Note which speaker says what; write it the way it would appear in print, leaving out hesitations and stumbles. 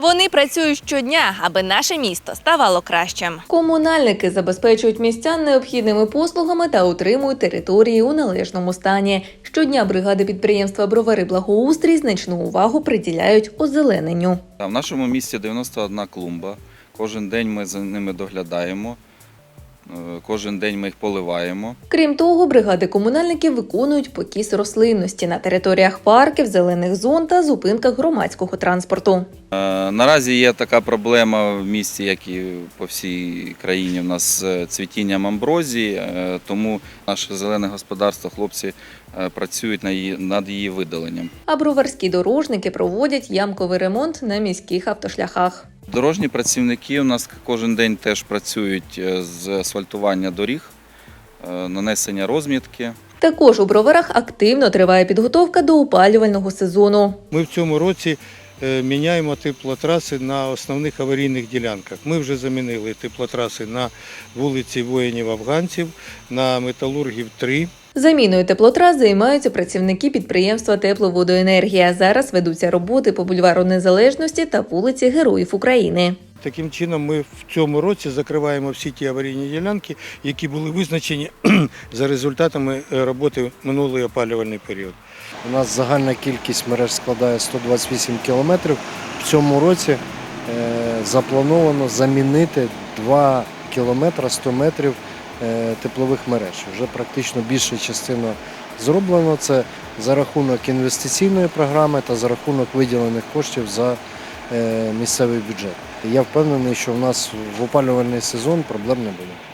Speaker 1: Вони працюють щодня, аби наше місто ставало кращим.
Speaker 2: Комунальники забезпечують містян необхідними послугами та утримують території у належному стані. Щодня бригади підприємства «Бровари Благоустрій» значну увагу приділяють озелененню.
Speaker 3: В нашому місті 91 клумба. Кожен день ми за ними доглядаємо, кожен день ми їх поливаємо.
Speaker 2: Крім того, бригади комунальників виконують покіс рослинності на територіях парків, зелених зон та зупинках громадського транспорту.
Speaker 3: Наразі є така проблема в місті, як і по всій країні, у нас з цвітінням амброзії, тому наше зелене господарство, хлопці працюють над її видаленням.
Speaker 2: А броварські дорожники проводять ямковий ремонт на міських автошляхах.
Speaker 3: Дорожні працівники у нас кожен день теж працюють з асфальтування доріг, нанесення розмітки.
Speaker 2: Також у Броварах активно триває підготовка до опалювального сезону.
Speaker 4: Ми в цьому році міняємо теплотраси на основних аварійних ділянках. Ми вже замінили теплотраси на вулиці воїнів-афганців, на металургів 3.
Speaker 2: Заміною теплотрас займаються працівники підприємства «Тепловодоенергія». Зараз ведуться роботи по бульвару Незалежності та вулиці Героїв України.
Speaker 4: Таким чином ми в цьому році закриваємо всі ті аварійні ділянки, які були визначені за результатами роботи минулий опалювальний період.
Speaker 5: У нас загальна кількість мереж складає 128 кілометрів. В цьому році заплановано замінити 2 кілометри 100 метрів теплових мереж. Вже практично більша частина зроблено. Це за рахунок інвестиційної програми та за рахунок виділених коштів за місцевий бюджет. Я впевнений, що в нас в опалювальний сезон проблем не буде.